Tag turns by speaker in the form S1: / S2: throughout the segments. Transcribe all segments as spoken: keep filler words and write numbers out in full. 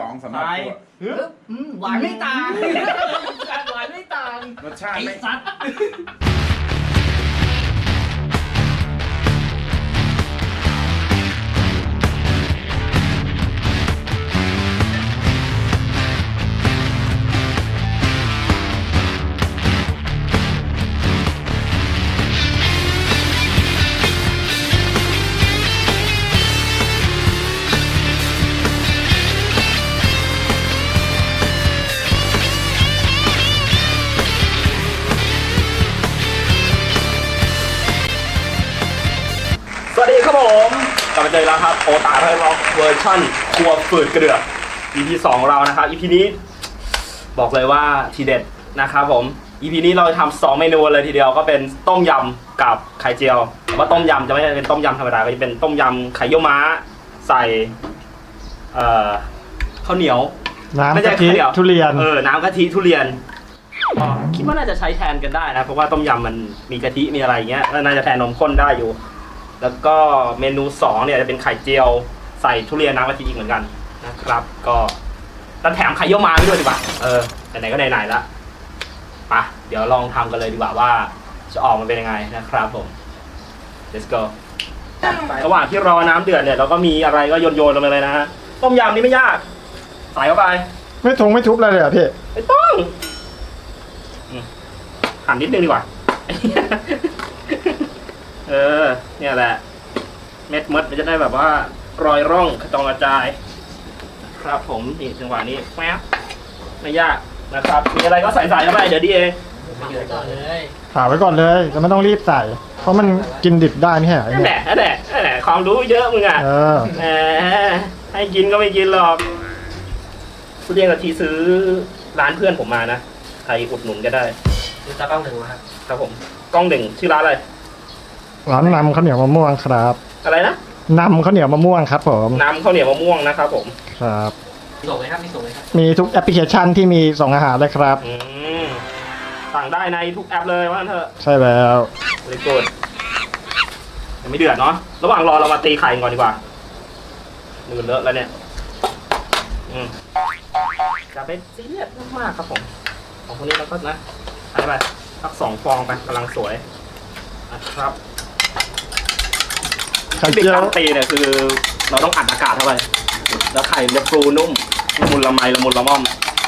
S1: องสำหรับตัว
S2: อืมหวานไม่ต่างหวานไม่ต่าง
S1: รสชาติ
S2: ไอ้
S1: ไม่
S2: สัตว์
S3: สวัสดีครับผมกลับมาเจอแล้วครับโอตาไทยร็อกเวอร์ชั่นครัวฝืดเกลือ อี พี สองของเรานะครับ อี พี นี้บอกเลยว่าทีเด็ดนะครับผม อี พี นี้เราจะทำสองเมนูเลยทีเดียวก็เป็นต้มยำกับไข่เจียวแต่ว่าต้มยำจะไม่ใช่เป็นต้มยำธรรมดาก็จะเป็นต้มยำไข่เยี่ยวม้าใส่เอ่อข้าวเหนียว
S4: น้ำ
S3: ไม่ใช่
S4: กะทิ
S3: ข้าวเหนียว
S4: ทุเรียน
S3: เออน้ำกะทิทุเรียนก็คิดว่าน่าจะใช้แทนกันได้นะเพราะว่าต้มยำมันมีกะทิมีอะไรอย่างเงี้ยน่าจะแทนนมข้นได้อยู่ แล้วก็เมนูสองเนี่ยจะเป็นไข่เจียวใส่ทุเรียนน้ำกะทิอีกเหมือนกันนะครับก็แล้วแถมไข่เยี่ยวม้าไปด้วยดีกว่าเออไหนๆก็ไหนๆละไปเดี๋ยวลองทำกันเลยดีกว่าว่าจะออกมาเป็นยังไงนะครับผม let's go ระหว่างที่รอน้ำเดือดเนี่ยเราก็มีอะไรก็โยนๆลงไปเลยนะฮะต้มยำนี่ไม่ยากใส่เข้าไป
S4: ไม่ทงไม่ทุบอะไรเลยเหรอพี่
S3: ไม่ต้องอืมหั่นนิดนึงดีกว่า เออ เนี่ยแหละ เม็ดมดมันจะได้แบบว่ารอยร่องกระจองกระจาย ครับผมนี่จังหวะนี้แป๊บไม่ยากนะครับ มีอะไรก็ใส่ใส่เข้าไปเดี๋ยวดีเอง
S2: ต่อเลย
S4: ผ่าไว้ก่อนเลยจะไม่ต้องรีบใส่ เพราะมันกินดิบได้ไม่ใช่เหรอไอ้
S3: นั่นแห
S4: เนี่ย
S3: ละนั่นแหละนั่นแหละความรู้เยอะมึงอ่ะ
S4: เออ
S3: แหมให้กินก็ไม่กินหรอกทุเรียนกะทิซื้อร้านเพื่อนผมมานะใครอุดหนุนก็ได้
S2: ดูตากล้องหนึ่งมาครับ
S3: ครับผมกล้องหนึ่งชื่อร้านอะไร
S4: ร้านนำข้าวเหนียวมะม่วงครับ
S3: อะไรนะ
S4: นำข้าวเหนียวมะม่วงครับผม
S3: น้ำข้าวเหนียวมะม่วงนะครับผม
S4: ครับ
S2: ส่งเลยครับมีส่งเลยครับ
S4: มีทุกแอปพลิเคชันที่มีส่งอาหารเลยครับ
S3: อืมสั่งได้ในทุกแอปเลยว่างั้นเถอะ
S4: ใช่แล้ว
S3: เลยกดยังไม่เดือดเนาะระหว่างรอเรามาตีไข่ก่อนดีกว่ามือเลอะแล้วเนี่ยอืมจะไปซีเรียสมากๆครับผมของพวกนี้เราก็นะใส่ไปสักสองฟองไปกำลังสวยนะครับ
S4: ไข่
S3: ที่
S4: เจียว
S3: ตั้งตีเนี่ยคือเราต้องอัดอากาศเข้าไปแล้วไข่มันจะฟูนุ่มละมุนละไมละมุนละม่อม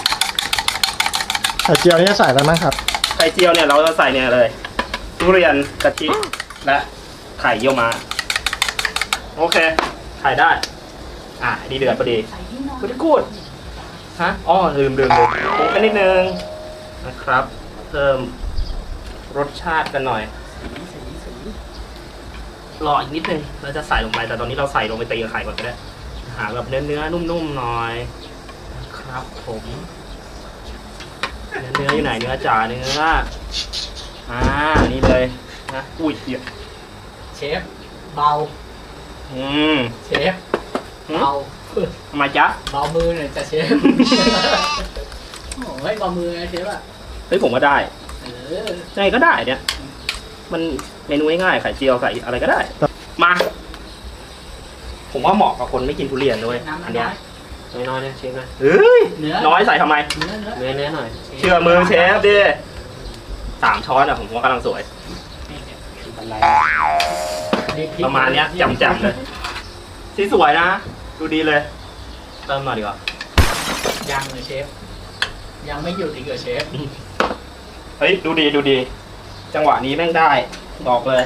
S4: ไข่เจียวนี่จะใส่อะไรบ้างครับ
S3: ไข่เจียวเนี่ยเราจะใส่เนี่ยเลยทุเรียนกะทิและไข่เยี่ยวม้าโอเคไข่ได้อ่ะดีเดือดพอดีกูจะกูดฮะอ๋อลืมลืมลืมปรุงกันนิดนึงนะครับ เพิ่มรสชาติกันหน่อยรออีกนิดนึงเราจะใส่ลงไปแต่ตอนนี้เราใส่ลงไปตีกับไข่ก่อนก็ได้หาแบบเนื้อเนื้อนุ่มๆหน่อยนะครับผมเนื้อเนื้ออยู่ไหนเนื้อจ๋าเนื้ออ่านี่เลยนะอุ้ยเดี๋ยว
S2: เชฟเบา
S3: อืม
S2: เชฟเบา
S3: ทำไมจ๊ะ
S2: เบามือหน่อยจ้ะเชฟโอ้ยเบามือไงเชฟอ่ะ
S3: เฮ้ยผมว่าได้
S2: เออ
S3: ยังไงก็ได้เนี่ยมันเมนูง่ายๆไข่เจียวไข่อะไรก็ได้มา ผมว่าเหมาะกับคนไม่กินทุเรียนด้วย
S2: น้ำ
S3: อั
S2: มัน น
S3: เนี้
S2: น้
S3: ย
S2: อย
S3: น้อยๆเนี่ยเชฟนะเฮ้ย
S2: เนื้อ
S3: น้อยใส่ทำไม
S2: เนื้อเนื้อ
S3: เนื้อเนื้อหน่อยเชื่อมือเชฟดิสามช้อนอ่ะผมว่ากำลังสวยประมาณเนี้ยจำๆเลยสีสวยนะดูดีเลยเติมหน่อยดีกว่า
S2: ยังเลยเชฟยังไม่หยุดอีกเหรอเชฟ
S3: เฮ้ยดูดีดูดี จังหวะนี้แม่งได้บอกเลย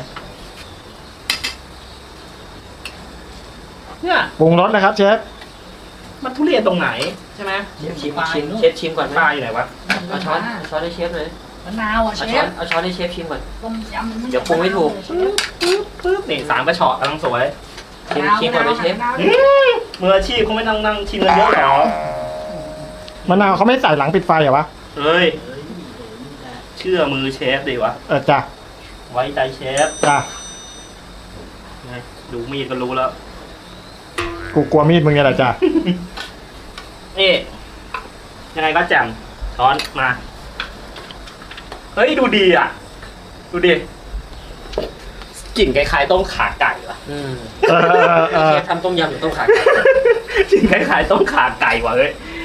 S3: เนี่ย
S4: ปรุงรสนะครับเชฟ
S3: มันทุเรียนตรงไหนใช่ไหม
S2: ชิม
S5: ชิม
S2: ปลา
S5: ชิม
S2: นู่น
S5: เชฟชิมก่อนไหม
S3: ปลาอยู่ไหนวะ
S5: เอาช้อนเอาช้อนให้เชฟเลย
S2: มะนาวอ่ะเช
S5: เอาช้อ
S2: ฟ
S5: นเอาช้อนให้เชฟชิมก่อน
S2: ต้มยำน
S5: เดี๋ยวปรุงไม่ถูก
S3: ปึ๊บปึ๊บปึ๊บนี่สามกระชอกกำลังสวย
S5: ชิมชิมก่อนเลยเชฟ
S3: อืมมืออาชีพเขาไม่นั่งนั่งชิมกันเยอะหรอ
S4: มะนาวเขาไม่ใส่หลังปิดไฟเหรอวะ
S3: เฮ้ยเชื่อมือเชฟดีวะ
S4: เออจ้ะ
S3: ไว้ใจเชฟ
S4: จ้ะ
S3: ไงดูมีดก็รู้แล้ว
S4: กูกลัวมีดมึงไงล่ะจ้ะ
S3: นี่ยังไงก็แจ่มช้อนมา เฮ้ยดูดีอ่ะ ดูดิกลิ่นคล้ายๆต้มขาไก่ว่ะ
S5: อืม
S4: เออเออเออ
S5: เชฟทำต้มยำหรือต้มขาไก่
S3: กลิ่นคล้ายๆต้มขาไก่ว่ะเฮ้ย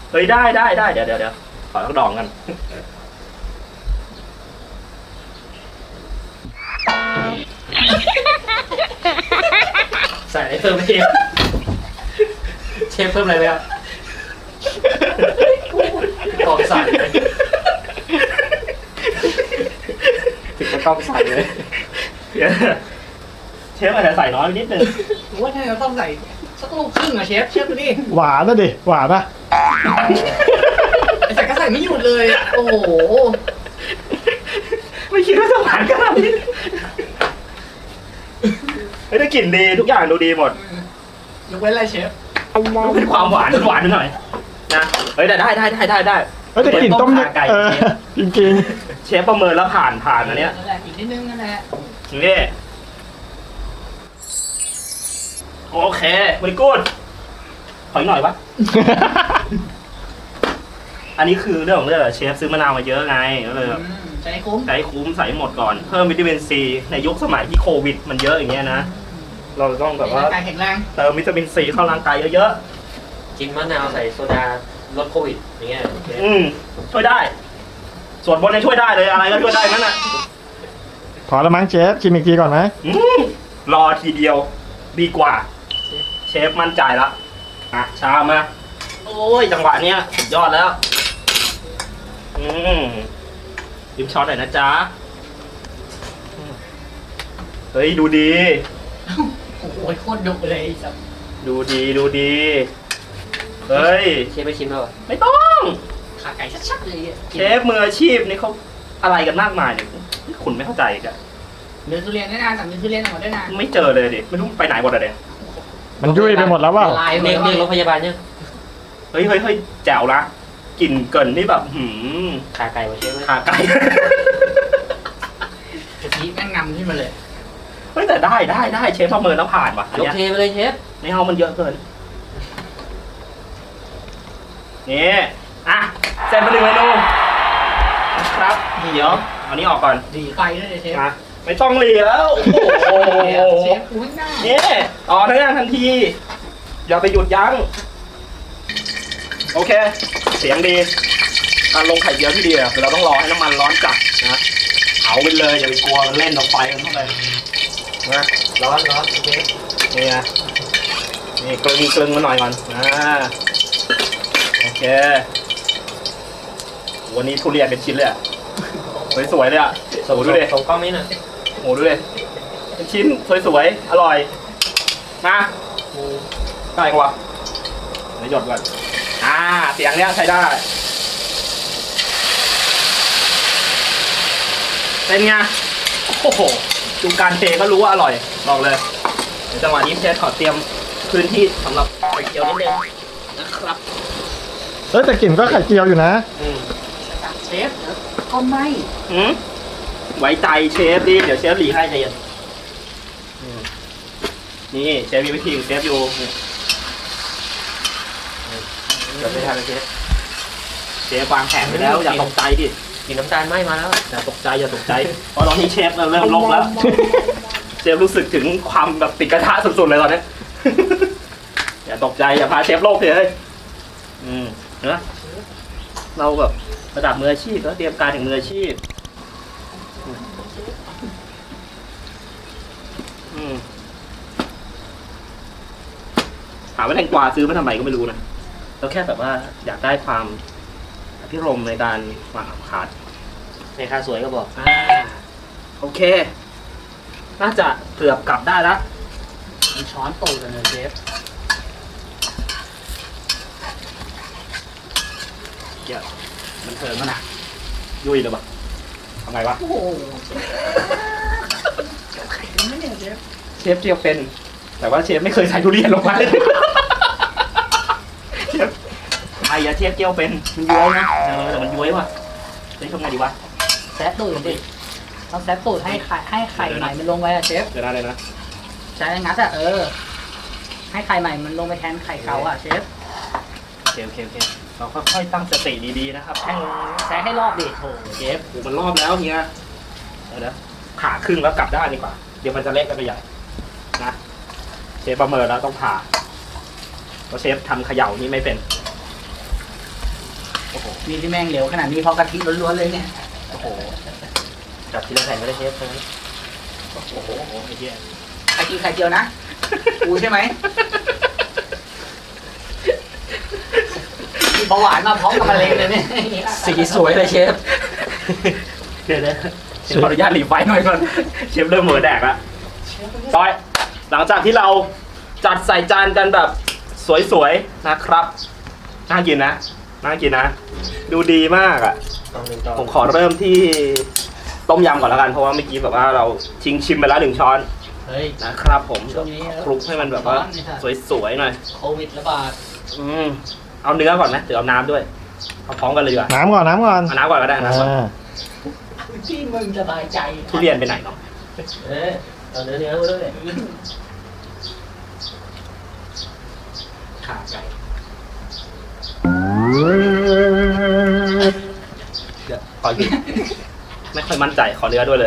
S3: เฮ้ยได้ได้ได้เดี๋ยวเดี๋ยวเดี๋ยวขอทักดองกันใส่อะไรเพิ่มไหมเชฟเชฟเพิ่มอะไรไหมครับกองใส่เลยถึงจะต้องใส่เลยเชฟอาจจะใส่น้อยไปนิดนึง
S2: ผมว่าถ้าเราต้องใส่สักลูกครึ่งอะเชฟเชฟดูดิ
S4: หวานนะดิหวานนะ
S2: ไอ้ใส่ก็ใส่ไม่หยุดเลยอะโอ้โห
S3: ไม่คิดว่าจะหวานขนาดนี้เฮ้ยได้กลิ่นดีทุกอย่างดูดีหมด
S2: ยกเว้นอะไรเชฟ
S3: เป็นความหวานหวานหน่อยนะเฮ้ยแต่ได้ได้ได้ได้ได้
S4: เอ้ยแต่กลิ่นต้ม
S3: ขาไก่
S4: เออจริง
S3: เชฟประเมินแล้วผ่านผ่านอันเนี้ย
S2: นั่นแหละอีกนิดนึงนั่นแหละ
S3: นี่โอเคไม่กูดขออีกหน่อยวะ
S4: ๆ
S3: อันนี้คือเรื่องของเรื่องอะเชฟซื้อมะนาวมาเยอะไงก็เลยแบบ
S2: อืมใช้คุ้ม
S3: ใช้คุ้มใส่หมดก่อนเพิ่มวิตามินซีในยุคสมัยที่โควิดมันเยอะอย่างเงี้ยนะเราต้องแบบว่า
S2: ร่างกายแข็งแรง
S3: เติมวิตามินซีเข้าร่างกายเยอะ
S5: กินมะนาวใส่โซดาลดโควิดอย่างเงี้ย
S3: ๆอืมช่วยได้ ส่วนบนเนี่ยช่วยได้เลยอะไรก็ช่วยได้นั่นน่ะ
S4: พอแล้วมั้งเชฟชิมอีกทีก่อนไหม
S3: อืมรอทีเดียวดีกว่า เชฟมั่นใจละอ่ะชามมาโอ้ยจังหวะเนี้ยสุดยอดแล้ว อืมยิ้มช็อตหน่อยนะจ๊ะอืมเฮ้ยดูดี
S2: โอ้โหโคตรดุเลยไอ้สัส
S3: ดูดีดูดี เฮ้ย
S5: เชฟไปชิมแล้วเหรอ
S3: ไม่ต้อง
S2: ขาไก่ชัดๆเลยอะ
S3: เชฟมืออาชีพนี่เขาอะไรกันมากมายเนี่ยคุณไม่เข้าใจอีกอะ
S2: เนื้อทุเรียนด้วยนะสั่งเนื้อทุเรียนออกมาด้วยนะ
S3: ไม่เจอเลยดิไม่รู้ไปไหนหมดอะเด็
S4: มันยุ่ยไปหมดแล้วเปล่า
S2: ละลายหม
S5: เรีย
S2: ด
S5: ก
S2: แล้ว
S5: เรียกรถพยาบาลยัง
S3: เฮ้ยเฮ้ยเฮ้ยแจ๋วนะกลิ่นเกินนี่แบบหืม
S5: ขาไก่วะเชฟ
S3: ขาไก่
S2: กะทิแม่งนำขึ้นมาเลย
S3: เฮ้ยแต่ได้ได้ได้เชฟประเมินแล้วผ่านว่ะอัน
S5: ยก
S3: เนี้ย
S5: เทไปเลยเชฟ
S3: ในห้องมันเยอะเกินนี่อ่ะเสร็จไปหนึ่งเมนูนะครับเดี๋ยวเอานี้ออกก่อน
S2: ดีไฟด้วยเลยเชฟ
S3: มาไม่ต้องรีแล้วโอ้โห
S2: เชฟอุ้ยหน้า
S3: นี่ต่อทั้งงานทันที อย่าไปหยุดยั้ง โอเค เสียงดีการลงไข่เจียวที่ดีอะคือเราต้องรอให้น้ำมันร้อนจัดนะเผาไปเลยอย่าไปกลัวมันเล่นต่อไฟกันเข้าไปนะ
S5: ร้อนร้อนโอเค
S3: นี่ไงนี่กลึงกลึงมาหน่อยก่อนอ่าโอเควันนี้ทุเรียนเป็นชิ้นเลยอะสวยๆเลยอะ
S5: ส่ง
S3: โอ้ดูดิ
S5: ส่งกล้องนี้หน่อย
S3: โอ้ดูดิเป็นชิ้นสวยๆอร่อยมาได้กว่าเดี๋ยวหยดก่อนอ่าเสียงเนี้ยใช้ได้เป็นไงโอ้โหดูการเทก็รู้ว่าอร่อยบอกเลยเดี๋ยวจังหวะนี้เชฟขอเตรียมพื้นที่สำหรับไข่เจียวนิดนึงนะครับ
S4: เอ้ยแต่กลิ่นก็ไข่เจียวอยู่นะ
S3: อืม
S2: เชฟเดี๋ยวก็ไม่
S3: อืมไว้ใจเชฟดิเดี๋ยวเชฟหลีให้ใจเย็นอืมนี่เชฟมีวิธีของเชฟอยู่นี่
S5: เดี๋ยวไม่ทันเลยเชฟ
S3: เชฟวางแผนไปแล้วอย่าตกใจดิ
S5: กินน้ำตาลไหมมาแล้ว
S3: อย่าตกใจอย่าตกใจเพราะตอนนี้เชฟเริ่มลกแล้ว เชฟรู้สึกถึงความแบบติดกระทะสุดๆเลยตอนนี้ อย่าตกใจอย่าพาเชฟโลกเลยอืมเนอะเราแบบระดับมืออาชีพแล้วเตรียมการถึงมืออาชีพอืมถามว่าแตงกวาซื้อมาทำไมก็ไม่รู้นะเราแค่แบบว่าอยากได้ความอภิรมย์ในการวางอาคาด
S5: ในค่าสวยก็บอก
S3: อ่าโอเค น่าจะเกือบกลับได้แล้ว
S2: มีช้อนตูดกันเลยเชฟ
S3: เดี๋ยวมันเทิงแล้วนะยุ่ยเลยปะทำไงวะ
S2: โอ้โหไข่เป็นไหมเนี่ยเชฟ
S3: เชฟเจียวเป็น แต่ว่าเชฟไม่เคยใส่ทุเรียนลงไปเชฟไอ้ยาเชฟเจียวเป็นมันย้วยนะเออแต่มันย้วยว่ะเฮ้ยทำไงดีวะ
S2: แซะตูดดิต้องแซะตูดให้ไข่ให้ไข่ใหม่มันลงไปอะเชฟ
S3: เดี๋ยวนะเลยนะ
S2: ใช้งัดอะเออ ให้ไข่ใหม่มันลงไปแทนไข่เก่าอะเชฟ
S3: โอเคโอเคโอเคเราค่อยๆตั้งสติดีๆนะครับ
S2: แซะแซะให้รอบดิโถ
S3: เชฟโอ้มันรอบแล้วเฮียเดี๋ยวนะผ่าครึ่งแล้วกลับได้านดีกว่า เดี๋ยวมันจะเละกันไปใหญ่นะเชฟประเมินแล้วต้องผ่าเพราะเชฟทำเขย่านี่ไม่เป็น
S2: มีที่แม่งเหลวขนาดนี้เพราะกะทิล้วนๆเลยเนี่ย
S5: โอ้โหจับทีละแผ่นก็ได้เชฟใช่ไหม
S3: โอ้โหไอ้เหี้ย
S2: ใครกินไข่เจียวนะกูใช่ไหมมีเบาหวานมาพร้อมกับมะเร็งเลยเนี่ย
S5: สีสวยเลยเชฟ
S3: เดี๋ยวนะขออนุญาตหลีไฟหน่อยก่อนเชฟเริ่มเหมือแดกละต่อยหลังจากที่เราจัดใส่จานกันแบบสวยๆนะครับน่ากินนะน่ากินนะ ดูดีมากอ่ะ
S5: ต้องหนึ่งต่อ
S3: ผมขอเริ่มที่ต้มยำก่อนแล้วกันเพราะว่าเมื่อกี้แบบว่าเราชิงชิมไปแล้วหนึ่งช้อน
S2: เฮ้ย
S3: นะครับผม
S2: ช่วงนี้
S3: คลุกให้มันแบบว่าสวยๆหน่อย
S2: โควิดระบาด
S3: อืมเอาเนื้อก่อนไหมหรือเอาน้ำด้วยเอาพร้อมกันเลยดีกว่า
S4: น้ำก่อนน้ำก่อน
S3: เอาน้ำก่อนก็ได้น้ำก่อน
S4: อ่า
S2: ที่มึงสบายใจ
S3: ทุเรียนไปไหนเนาะ
S5: เอ๊ะเอาเนื้อเนื้อมาด้วย
S2: ขาไก่
S3: เดี๋ยวขอหยิบไม่ค่อยมั่นใจขอเนื้อด้วยเลย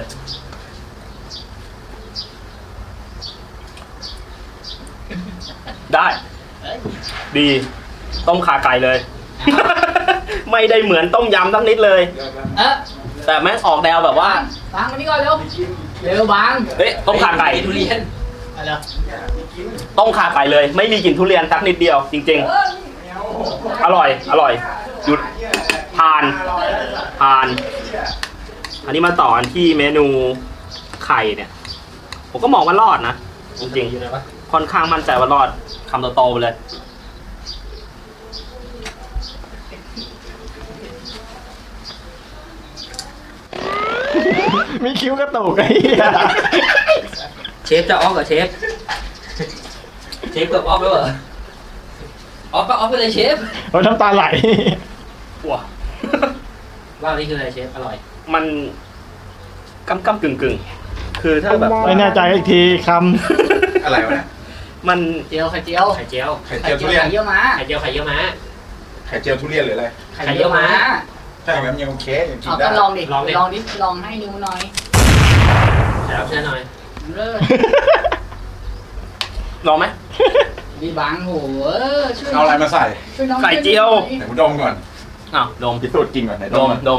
S3: ได้
S2: เฮ้ย
S3: ดีต้มขาไก่เลย ไม่ได้เหมือนต้มยำทั้งนิดเลย
S2: เอ๊ะ
S3: แต่แม่งออกแนวแบบว่า
S2: บางมานี่ก่อนเร็วเร็วบาง
S3: เฮ้ยต้มขาไก่
S5: ทุเรียน
S2: อะไร
S3: ต้มขาไก่เลย ไม่มีกลิ่นทุเรียนสักนิดเดียว จริง ๆ อร่อย อร่อยหยุดผ่านผ่าน อันนี้มาต่อกันที่เมนูไข่เนี่ย ผมก็มองว่ารอดนะ จริง
S5: อยู่ไหนวะ
S3: ๆ ค่อนข้างมั่นใจว่ารอดคำโตๆไปเลย
S4: มีคิ้วกระตุกไอ้เหี้ย
S5: เชฟจะออกกับเชฟ เชฟเกือบออกแล้วเหรอออกก็ออกไปเลยเชฟ
S4: โอ้ยน้ำตาไหล
S3: ว้า
S5: ว่าวนี่คืออะไรเชฟ อร่อย
S3: มันกำกำกึ่งกึ่งๆ คือถ้าแบบ
S4: ไม่แน่ใจอีกทีค
S1: อะไรวะเนี่ย
S3: มัน
S2: เจียวไข่เจียว
S5: ไข่เจียว
S1: ไข่
S2: ไข่
S1: เจียว
S2: เจี
S1: ทุ
S2: ยว
S1: เรียน
S2: ไข่เยี่ยวม้า
S5: ไข่เจียวไข่เยี่ยวม้า
S1: ไข่เจียวทุเรียนหรืออะไร
S2: ไข่เยี่ยวม้า
S1: ใช่ไหมมันยังโอเคยังกิน
S2: เอา
S1: ได้
S2: ก็ลองดิ
S5: ลองดิ
S2: ลองดิลองให้นิ้วหน่อย
S5: ใช่ครับใช่หน่อย
S2: เลิศ
S3: ลองไหม
S2: ดีบางโหเออช่วย
S1: เอาอะไรมาใส่
S2: ช่วยน้อง
S3: ไข่เจียว
S1: ไหนกูดมก่อน
S3: อ้าวดม
S1: พิสูจน์กินก่อนไหน
S3: ด
S1: ดม
S3: ม
S1: ก่อน
S3: ดม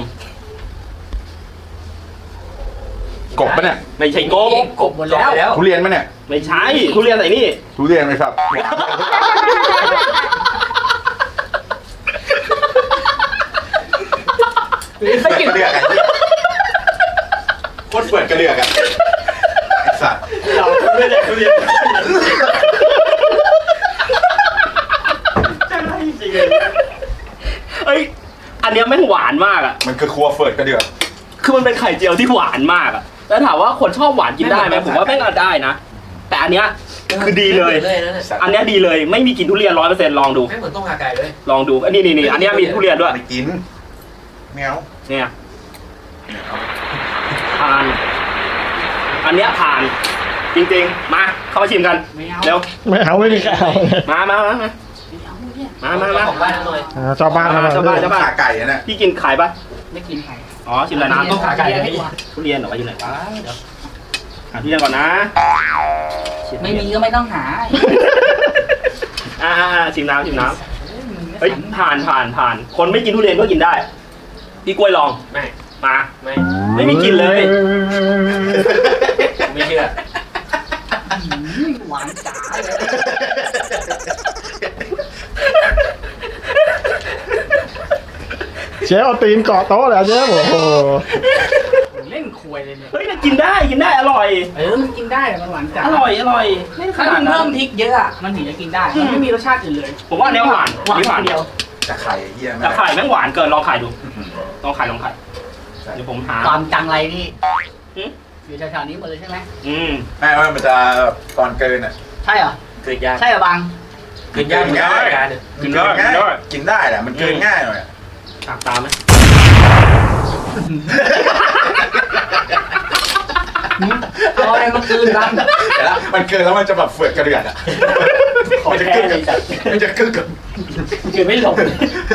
S1: กบปะเนี่ย
S3: ไม่ใช่โกบ
S2: กบหมดแล้ว
S5: แล้ว
S1: ทุเรียนปะเนี่ย
S3: ไม่ใช่ทุเรียนใส่นี่
S1: ทุเรียนไหมครับ
S2: ไม่กิน
S1: กระเดือกไอ้ที่โคตรเปิดกระเดือกอะไอ้สัตว์
S3: เราไม่ได้ทุเรียนเอ้ยอันเนี้ยแม่งหวานมากอ่ะ
S1: มันคือครัวเฟิร์ดกระเดือก
S3: คือมันเป็นไข่เจียวที่หวานมากอ่ะแล้วถามว่าคนชอบหวานกินได้ไหมผมว่าแม่งก็ได้นะแต่อันเนี้ยคือดีเลย
S5: เลยนั่นน่ะ
S3: อันเนี้ยดีเลยไม่มีกลิ่นทุเรียนร้อยเปอร์เซ็นต์ลองดู
S5: ไม่เหมือนต้มขาไก่เลย
S3: ลองดูอันนี้นี่นี่อันเนี้ยมีทุเรียนด้วย
S1: ไม่กินแมว
S3: เนี่ยผ่าน อันเนี้ยผ่าน จริงๆ มาเข้ามาชิมกัน
S2: ไม่เอา
S3: เร็ว
S4: ำไม่เอาไม่มีใครเอาเลย
S3: มามามามา
S2: ไม่เอาเนี่ย
S3: มามามา
S5: ของบ้านหน่อย
S4: อ่าชาวบ้านทำอะไร
S3: ชาวบ้านชาวบ้าน
S1: ขาไก่อะเนี่ย
S3: พี่กินขายปะ
S2: ไม่กินไข่
S3: อ๋อชิมอะไรนะ
S2: ต้มขาไก่ดีกว่า
S3: ทุเรียนเหรอวะอยู่ไหนวะเดี๋ยวหาทุเรียนก่อนนะชิทุ
S2: ไม่
S3: เรียน
S2: มีก็ไม่ต้องหา
S3: อ่าอ่าอ่าชิมน้ำชิมน้ำ
S2: เฮ้
S3: เฮ้
S2: ย
S3: ยผ่านผ่านผ่าน คนไม่กินทุเรียนก็กินได้ พี่กล้วยลอง
S5: ไม่
S3: มา
S5: ไม่
S3: ไม่มีกลินเลย
S5: ไม่เชื่อ
S2: หวานจ๋าเลย
S4: เชฟเอาตีนเกาะโต๊ะเลยเชฟโอ้โห
S2: เล่นควยเลยเนี่ย
S3: เฮ้ยแต่กินได้กินได้อร่อย
S2: เออมันกินได้แต่มันหวานจ๋า
S3: อร่อยอร่อยไม่ข
S2: ถ้า
S3: นา
S2: มั
S3: ด
S2: น
S3: นั้
S2: เพิ่
S3: น
S2: มพริกเยอะอะมันถึงจะกินได้ มันไม่มีรสชาติอื่นเลย
S3: ผมว่าอันเนี้ยหวาน
S2: หวาน
S3: นี่หวาน
S2: เดียว
S1: จะไข่ไอ้เหี้ย
S3: แต่ไข่แม่งหวานเกินลองไข่ดู ลองไข่ลองไข่ เดี๋ยวผมหา
S2: ความจังไรนี่
S3: อืม
S2: อยู่แถวๆนี้หมดเลยใช่ไหม
S3: อืม
S1: แม่ว่ามันจะตอนเกินอะ
S2: ใช่เหรอ
S5: เกิดยาก
S2: ใช่เหรอบาง
S5: เกิดยากเหมือนกันรายการเนี่ย
S3: กินได้กิน
S1: ง่าย
S3: ได้
S1: กินได้แหละมันเกินง่ายหน่อยอะ
S3: ตามตามไหม
S2: เอาอะไรมาคืนบาง
S1: แต่ละมันเกินแล้วมันจะแบบเฟือดกระเดือกอะมันจะกึกกับมันจะกึกกับ
S2: คือไม่หลบ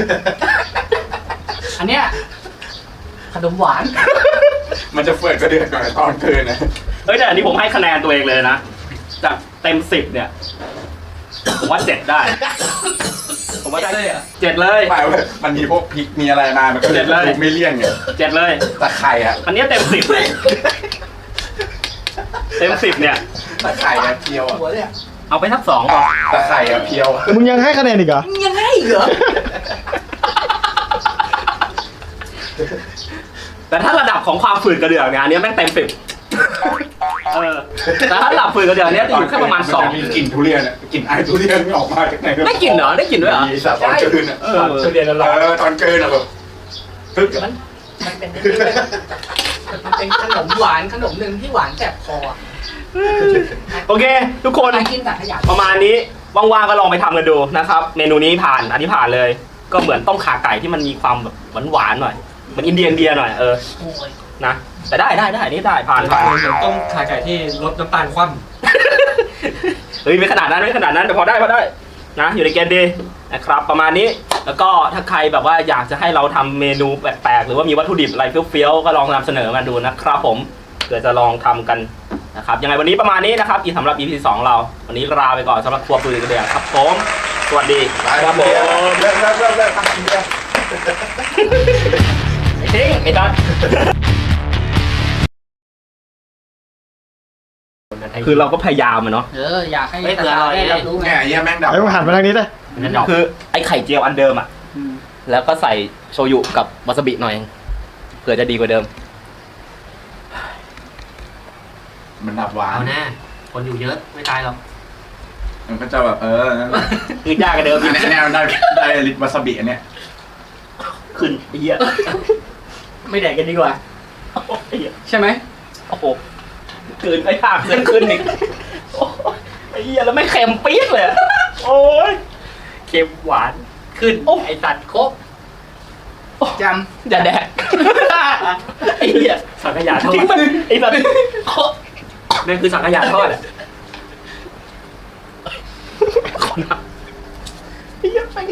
S2: อันเนี้ยขนมหวาน
S1: มันจะเฟือดกระเดือกหน่อยตอนเกินนะ
S3: เฮ้ยแต่อันนี้ผมให้คะแนนตัวเองเลยนะ จากเต็มสิบเนี่ย ผมว่าเจ็ดได้ ผผมว่าได้
S5: เลยเหรอ
S3: เจ็ดเลย
S1: ไม่เว้ยมันมีพวกพริกมีอะไรมามันก็
S3: เจ็ดเลย
S1: ดูไม่เลี่ยงไง
S3: เจ็ดเลย
S1: แต่ไข่อะ
S3: อันนี้เต็มสิบเต็มสิบเนี่ย
S1: แต่ไข่อะเพียวอะ
S2: หัวเลยอ่ะ
S3: เอาไปทักสอง
S1: แต่ไข่อะเพียวอะ
S4: มึงยังให้คะแนนอีกเหรอ
S2: ยังไงเหรอ
S3: แต่ถ้าระดับของความฝืนกระเดื่องเนี่ยอันนี้แม่งเต็มสิบเออแต่ถ้าระดับฝืนกระเดื่องเนี่ยจะอยู่แค่ประมาณสอง
S1: นจมีกลิ่นทุเรียนอะกลิ่นไอทุเรียนไม่ออกมาจากไหน
S3: ได้กลิ่นเหรอได้กลิ่นด้วยเหรอ
S1: มีสัตว์ตอนเกินอะ
S3: เออ
S2: ทุเรียนละลาย
S1: เออตอนเกินอะแบบตึ๊กอะ
S2: มันมันเป็นมันเป็นขนมหวานขนมหนึ่งที่หวานแสบคออะ
S3: โอเค ทุกคน
S2: ใครกินสังขยา
S3: ประมาณนี้ว่างๆก็ลองไปทำกันดูนะครับ เมนูนี้ผ่านอันนี้ผ่านเลย ก็เหมือนต้มข่าไก่ที่มันมีความแบบหวานๆหน่อยเหมือนอินเดียอินเดียหน่อยเออ
S2: โอ้ย
S3: นะแต่ได้ได้ได้นี่ได้ผ่านผ่าน
S5: เหมือนต้มขาไก่ที่ลดน้ำตาลคว่
S3: เฮ้ยไม่ขนาดนั้นไม่ขนาดนั้นแต่พอได้พอได้นะอยู่ในเกณฑ์ดีนะครับประมาณนี้แล้วก็ถ้าใครแบบว่าอยากจะให้เราทำเมนูแปลกๆหรือว่ามีวัตถุดิบอะไรเฟี้ยวๆก็ลองนำเสนอมาดูนะครับผมเผื่อจะลองทำกันนะครับยังไงวันนี้ประมาณนี้นะครับอีกสำหรับ อี พี สองเราวันนี้ลาไปก่อนสำหรับครัวปืนกระเดื่องครับผมสวัสดี
S1: ไปครับผมเลิกเลิกเลิกเลิกทำกินเดียว
S3: ไอ้ทิ้งไอ้ตันคือเราก็พยายามอะเนาะ
S2: เอออยากให้
S5: เฮ้ยเผื่ออร่อย
S2: ได้รับรู้ไง
S1: เนี่ยไอ้เหี้ยแม่งดับ
S4: ไอ้มึงหันมาทางนี้เลย
S3: คือไอ้ไข่เจียวอันเดิมอะแล้วก็ใส่โชยุกับวาซาบิหน่อยเผื่อจะดีกว่าเดิม
S1: มันดับหวา
S5: ำ
S1: น
S5: เอาแน่คนอยู่เยอะไม่ตายหรอก
S1: มันก็จะแบบเออนั่นแหละ
S3: คือยากกว่าเดิม
S1: อันนี้อันนี้มันได้ได้ลิตรวาซาบิอันเนี้ย
S3: ขึ้นไอ้เหี้ย
S2: ไม่แดกกันดีกว่า
S3: ไอ้เหี้ย
S2: ใช่ไหม
S3: โอ้โหเกินไปภาพเกินขึ้นอีกโอ้ยไอ้เหี้ยแล้วไม่เค็มปี๊ดเลยอะโอ้ยเค็มหวาน
S2: ขึ้น
S3: โอ้
S2: ไอสัตว์ครบจ
S3: อย่าแดกไอ้เหี้ย
S5: สังขยาทอด
S3: ทิ้งมันไอ้แบบนั่นคือสังขยาทอดอะขอนับไอ้เหี้ย